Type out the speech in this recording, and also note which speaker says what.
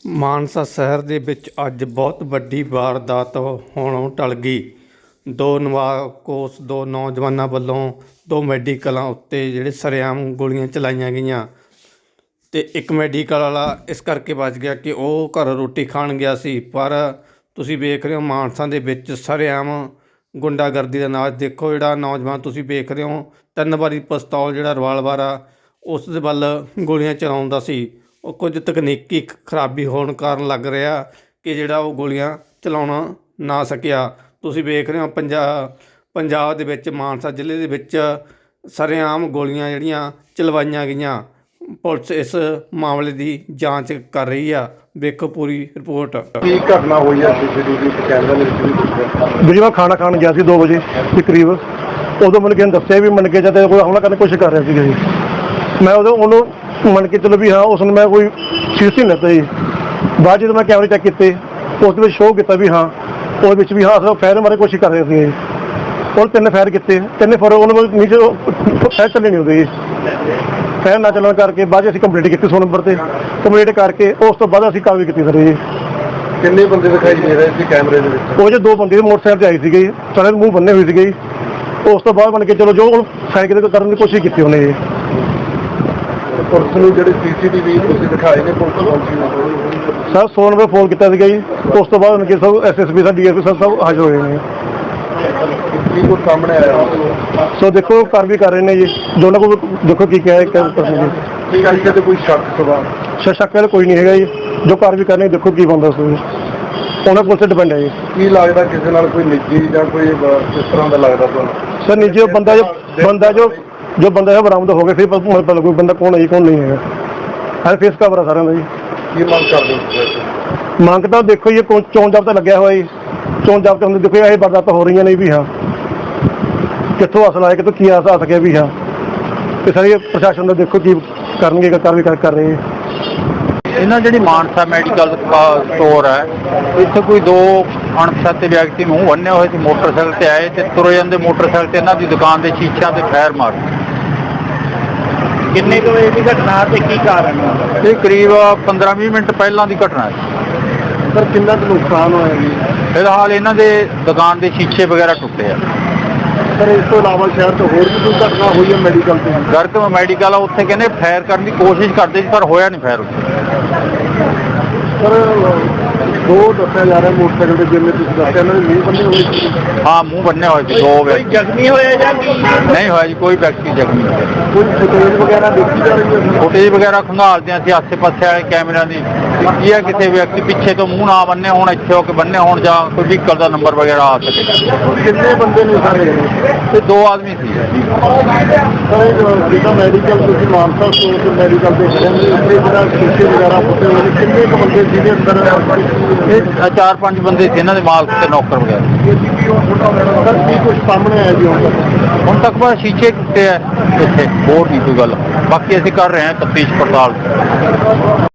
Speaker 1: ਮਾਨਸਾ ਸ਼ਹਿਰ ਦੇ ਵਿੱਚ ਅੱਜ ਬਹੁਤ ਵੱਡੀ ਵਾਰਦਾਤ ਹੋਣੋਂ ਟਲ ਗਈ। ਦੋ ਨੌਜਵਾਨਾਂ ਵੱਲੋਂ ਦੋ ਮੈਡੀਕਲਾਂ ਉੱਤੇ ਜਿਹੜੇ ਸ਼ਰੇਆਮ ਗੋਲੀਆਂ ਚਲਾਈਆਂ ਗਈਆਂ ਅਤੇ ਇੱਕ ਮੈਡੀਕਲ ਵਾਲਾ ਇਸ ਕਰਕੇ ਬਚ ਗਿਆ ਕਿ ਉਹ ਘਰ ਰੋਟੀ ਖਾਣ ਗਿਆ ਸੀ। ਪਰ ਤੁਸੀਂ ਵੇਖ ਰਹੇ ਹੋ ਮਾਨਸਾ ਦੇ ਵਿੱਚ ਸ਼ਰੇਆਮ ਗੁੰਡਾਗਰਦੀ ਦਾ ਨਾਚ ਦੇਖੋ। ਜਿਹੜਾ ਨੌਜਵਾਨ ਤੁਸੀਂ ਵੇਖ ਰਹੇ ਹੋ 3 ਵਾਰੀ ਪਿਸਤੌਲ ਜਿਹੜਾ ਰਿਵਾਲਵਰ ਆ ਉਸ ਦੇ ਵੱਲ ਗੋਲੀਆਂ ਚਲਾਉਂਦਾ ਸੀ। ਉਹ ਕੁਝ ਤਕਨੀਕੀ ਖਰਾਬੀ ਹੋਣ ਕਾਰਨ ਲੱਗ ਰਿਹਾ ਕਿ ਜਿਹੜਾ ਉਹ ਗੋਲੀਆਂ ਚਲਾਉਣਾ ਨਾ ਸਕਿਆ। ਤੁਸੀਂ ਵੇਖ ਰਹੇ ਹੋ ਪੰਜਾਬ ਦੇ ਵਿੱਚ ਮਾਨਸਾ ਜ਼ਿਲ੍ਹੇ ਦੇ ਵਿੱਚ ਸ਼ਰੇਆਮ ਗੋਲੀਆਂ ਜਿਹੜੀਆਂ ਚਲਵਾਈਆਂ ਗਈਆਂ। ਪੁਲਿਸ ਇਸ ਮਾਮਲੇ ਦੀ ਜਾਂਚ ਕਰ ਰਹੀ ਆ। ਵੇਖੋ ਪੂਰੀ ਰਿਪੋਰਟ।
Speaker 2: ਕੀ ਘਟਨਾ ਹੋਈ ਹੈ ਸੀਸੀਟੀਵੀ ਕੈਮਰੇ ਦੇ ਵਿੱਚ?
Speaker 3: ਵੀਰੇ ਮੈਂ ਖਾਣਾ ਖਾਣ ਗਿਆ ਸੀ 2 ਵਜੇ ਦੇ ਕਰੀਬ। ਉਦੋਂ ਮੈਨੂੰ ਕਿਸੇ ਨੇ ਦੱਸਿਆ ਵੀ ਮੰਨ ਕੇ ਜਾਂਦੇ ਕੋਈ ਹਮਲਾ ਕਰਨ ਦੀ ਕੋਸ਼ਿਸ਼ ਕਰ ਰਿਹਾ ਸੀਗਾ ਜੀ। ਮੈਂ ਉਹਨੂੰ ਮੰਨ ਕੇ ਚਲੋ ਵੀ ਹਾਂ ਉਸ ਨੂੰ ਮੈਂ ਕੋਈ ਸੀਰੀਅਸ ਨਹੀਂ ਲੈਂਦਾ ਜੀ। ਬਾਅਦ ਜਦੋਂ ਮੈਂ ਕੈਮਰੇ ਚੈੱਕ ਕੀਤੇ ਉਸ ਦੇ ਵਿੱਚ ਸ਼ੋਅ ਕੀਤਾ ਵੀ ਹਾਂ ਉਹਦੇ ਵਿੱਚ ਵੀ ਹਾਂ ਅਸਲ ਫਾਇਰ ਮਾਰੇ ਕੋਸ਼ਿਸ਼ ਕਰ ਰਹੇ ਸੀ। ਉਹ 3 ਫਾਇਰ ਕੀਤੇ, 3 ਫਾਇਰ ਉਹਨਾਂ ਨੀਚੇ ਫਾਇਰ ਚੱਲੇ ਨਹੀਂ ਹੁੰਦੇ ਜੀ। ਫਾਇਰ ਨਾ ਚੱਲਣ ਕਰਕੇ ਬਾਅਦ ਅਸੀਂ ਕੰਪਲੀਟ ਕੀਤੀ 100 ਨੰਬਰ 'ਤੇ। ਕੰਪਲੀਟ ਕਰਕੇ ਉਸ ਤੋਂ ਬਾਅਦ ਅਸੀਂ ਕਾਰਵਾਈ ਕੀਤੀ ਸਰ ਜੀ।
Speaker 2: ਕਿੰਨੇ ਬੰਦੇ ਦਿਖਾਈ ਦੇ ਰਹੇ ਸੀ ਕੈਮਰੇ ਦੇ ਵਿੱਚ?
Speaker 3: ਉਹ 'ਚ 2 ਬੰਦੇ ਮੋਟਰਸਾਈਕਲ 'ਤੇ ਆਏ ਸੀਗੇ ਜੀ। ਸਾਰੇ ਮੂੰਹ ਬੰਨੇ ਹੋਏ ਸੀਗੇ ਜੀ। ਉਸ ਤੋਂ ਬਾਅਦ ਬਣ ਕੇ ਚਲੋ ਜੋ ਸਾਈਕਲ ਕਰਨ ਦੀ ਕੋਸ਼ਿਸ਼ ਕੀਤੀ ਉਹਨੇ ਜੀ।
Speaker 2: ਪੁਲਿਸ ਨੂੰ ਜਿਹੜੇ ਸੀਸੀਟੀਵੀ ਤੁਸੀਂ ਦਿਖਾਏ ਨੇ ਪੁਲਿਸ ਪਹੁੰਚੀ ਨਹੀਂ
Speaker 3: ਸਰ 100 ਨੰਬਰ ਫੋਨ ਕੀਤਾ ਸੀਗਾ ਜੀ। ਉਸ ਤੋਂ ਬਾਅਦ ਕਿ ਸਭ SSP ਸਾਹਿਬ DSP ਸਾਹਿਬ ਸਭ ਹਾਜ਼ਰ ਹੋਏ ਨੇ।
Speaker 2: ਕੀ ਕੁਝ ਸਾਹਮਣੇ ਆਇਆ?
Speaker 3: ਸੋ ਦੇਖੋ ਕਾਰਵਾਈ ਕਰ ਰਹੇ ਨੇ ਜੀ। ਦੋਨਾਂ ਕੋਲ ਦੇਖੋ ਕੀ ਕਿਹਾ ਹੈ
Speaker 2: ਠੀਕ ਹੈ ਤੇ ਕੋਈ
Speaker 3: ਸ਼ੱਕ ਵਾਲਾ ਕੋਈ ਨਹੀਂ ਹੈਗਾ ਜੀ। ਜੋ ਕਾਰਵਾਈ ਕਰਨੀ ਦੇਖੋ ਕੀ ਬਣਦਾ ਸੋ ਉਹਨਾਂ ਕੋਲ ਤੇ ਡਿਪੈਂਡ ਹੈ ਜੀ।
Speaker 2: ਕੀ ਲੱਗਦਾ ਕਿਸੇ ਨਾਲ ਕੋਈ ਨਿੱਜੀ ਜਾਂ ਕੋਈ ਇਸ ਤਰ੍ਹਾਂ ਦਾ ਲੱਗਦਾ ਤੁਹਾਨੂੰ?
Speaker 3: ਸਰ ਨਿੱਜੀ ਜੋ ਬੰਦਾ ਬਰਾਮਦ ਹੋ ਗਿਆ ਫਿਰ ਪਤਾ ਲੱਗੂ ਬੰਦਾ ਕੌਣ ਹੈ ਜੀ ਕੌਣ ਨਹੀਂ ਹੈਗਾ। ਹਰ ਫੇਸ ਕਵਰ ਆ ਸਾਰਿਆਂ ਦਾ ਜੀ।
Speaker 2: ਕੀ ਮੰਗ ਕਰਦੇ ਹੋ?
Speaker 3: ਮੰਗ ਤਾਂ ਦੇਖੋ ਜੀ ਚੋਣ ਜਾਬਤਾ ਲੱਗਿਆ ਹੋਇਆ ਜੀ। ਚੋਣ ਜਾਬਤੇ ਹੁੰਦੇ ਦੇਖੋ ਇਹ ਵਾਰਦਾਤਾਂ ਹੋ ਰਹੀਆਂ ਨੇ ਵੀ ਹਾਂ ਕਿੱਥੋਂ ਅਸਲ ਆਇਆ ਕਿੱਥੋਂ ਕੀ ਆ ਸਕਿਆ ਵੀ ਹਾਂ। ਤੇ ਸਾਰੇ ਪ੍ਰਸ਼ਾਸਨ ਦਾ ਦੇਖੋ ਕੀ ਕਰਨਗੇ ਕਾਰਵਾਈ ਕਰ ਰਹੇ।
Speaker 4: ਇਹਨਾਂ ਜਿਹੜੀ ਮਾਨਸਾ ਮੈਡੀਕਲ ਸਟੋਰ ਹੈ ਇੱਥੇ ਕੋਈ 2 ਅਣਪਛਾਤੇ ਵਿਅਕਤੀ ਨੂੰ ਬੰਨੇ ਹੋਏ ਸੀ ਮੋਟਰਸਾਈਕਲ ਤੇ ਆਏ ਤੇ ਤੁਰੇ ਜਾਂਦੇ ਮੋਟਰਸਾਈਕਲ ਤੇ ਇਹਨਾਂ ਦੀ ਦੁਕਾਨ ਦੇ ਸ਼ੀਸ਼ਿਆਂ ਤੇ ਫਾਇਰ ਮਾਰੇ।
Speaker 5: ਕਿੰਨੇ ਕੁ ਵਜੇ ਦੀ ਘਟਨਾ ਤੇ ਕੀ ਕਾਰਨ ਹੈ?
Speaker 4: ਇਹ ਕਰੀਬ 15-20 ਮਿੰਟ ਪਹਿਲਾਂ ਦੀ ਘਟਨਾ ਹੈ।
Speaker 2: ਸਰ ਕਿੰਨਾ ਕੁ ਨੁਕਸਾਨ ਹੋਇਆ ਜੀ?
Speaker 4: ਫਿਲਹਾਲ ਇਹਨਾਂ ਦੇ ਦੁਕਾਨ ਦੇ ਸ਼ੀਸ਼ੇ ਵਗੈਰਾ ਟੁੱਟੇ ਆ।
Speaker 2: ਸਰ ਇਸ ਤੋਂ ਇਲਾਵਾ ਸ਼ਹਿਰ ਤੋਂ ਹੋਰ ਵੀ ਕੋਈ ਘਟਨਾ ਹੋਈ ਹੈ ਮੈਡੀਕਲ ਤੇ?
Speaker 4: ਗਰਗ ਮੈਡੀਕਲ ਆ ਉੱਥੇ ਕਹਿੰਦੇ ਫਾਇਰ ਕਰਨ ਦੀ ਕੋਸ਼ਿਸ਼ ਕਰਦੇ ਸੀ ਪਰ ਹੋਇਆ ਨਹੀਂ ਫਾਇਰ ਉੱਥੇ।
Speaker 2: ਸਰ 2 ਦੱਸਿਆ ਜਾ ਰਿਹਾ ਮੋਟਰਸਾਈਕਲ ਤੇ ਜਿਵੇਂ ਤੁਸੀਂ ਦੱਸਿਆ ਇਹਨਾਂ ਦੇ ਮੂੰਹ ਬੰਨੇ ਹੋਏ ਸੀ।
Speaker 4: ਹਾਂ ਮੂੰਹ ਬੰਨੇ ਹੋਏ ਸੀ 2 ਵਿਅਕਤੀ।
Speaker 5: ਜ਼ਖਮੀ ਹੋਏ ਜਾਂ ਕੀ?
Speaker 4: ਨਹੀਂ ਹੋਇਆ ਜੀ ਕੋਈ ਵਿਅਕਤੀ ਜ਼ਖਮੀ ਨਹੀਂ ਹੋਇਆ।
Speaker 2: ਕੋਈ ਫੁਟੇਜ ਵਗੈਰਾ ਦੇਖੀ ਜਾ ਰਹੀ ਹੈ?
Speaker 4: ਫੁਟੇਜ ਵਗੈਰਾ ਖੰਗਾਲਦੇ ਹਾਂ ਅਸੀਂ ਆਸੇ ਪਾਸੇ ਵਾਲੇ ਕੈਮਰਿਆਂ ਦੀ। ਕੀ ਹੈ ਕਿਸੇ ਵਿਅਕਤੀ ਪਿੱਛੇ ਤੋਂ ਮੂੰਹ ਨਾ ਬੰਨੇ ਹੋਣ ਇੱਥੇ ਹੋ ਕੇ ਬੰਨੇ ਹੋਣ ਜਾਂ ਕੋਈ ਵਹੀਕਲ ਦਾ ਨੰਬਰ ਵਗੈਰਾ ਆ ਸਕੇ।
Speaker 2: ਕਿੰਨੇ ਬੰਦੇ ਨੇ ਸਾਰੇ?
Speaker 4: ਤੇ 2 ਆਦਮੀ ਸੀ।
Speaker 2: ਸਰ ਜਿਹੜਾ ਮੈਡੀਕਲ ਤੁਸੀਂ ਮਾਨਸਾ ਸਟੋਰ ਤੇ ਮੈਡੀਕਲ ਦੇ ਖੜੇ ਨੇ ਉੱਥੇ ਜਿਹੜਾ ਸ਼ੀਸ਼ੇ ਵਗੈਰਾ ਫੁੱਟੇ ਹੋਏ ਨੇ ਕਿੰਨੇ ਕੁ ਬੰਦੇ ਜਿਹਦੇ ਅੰਦਰ?
Speaker 4: ਇਹ 4-5 ਬੰਦੇ ਸੀ ਇਹਨਾਂ ਦੇ ਮਾਲਕ ਤੇ ਨੌਕਰ ਵਗੈਰਾ।
Speaker 2: ਸਰ ਕੀ ਕੁਝ ਸਾਹਮਣੇ ਆਇਆ ਜੀ
Speaker 4: ਹੁਣ ਤੱਕ ਬਸ ਸ਼ੀਸ਼ੇ ਟੁੱਟੇ ਆ ਇੱਥੇ, ਹੋਰ ਨਹੀਂ ਕੋਈ ਗੱਲ। ਬਾਕੀ ਅਸੀਂ ਕਰ ਰਹੇ ਹਾਂ ਤਫਤੀਸ਼ ਪੜਤਾਲ।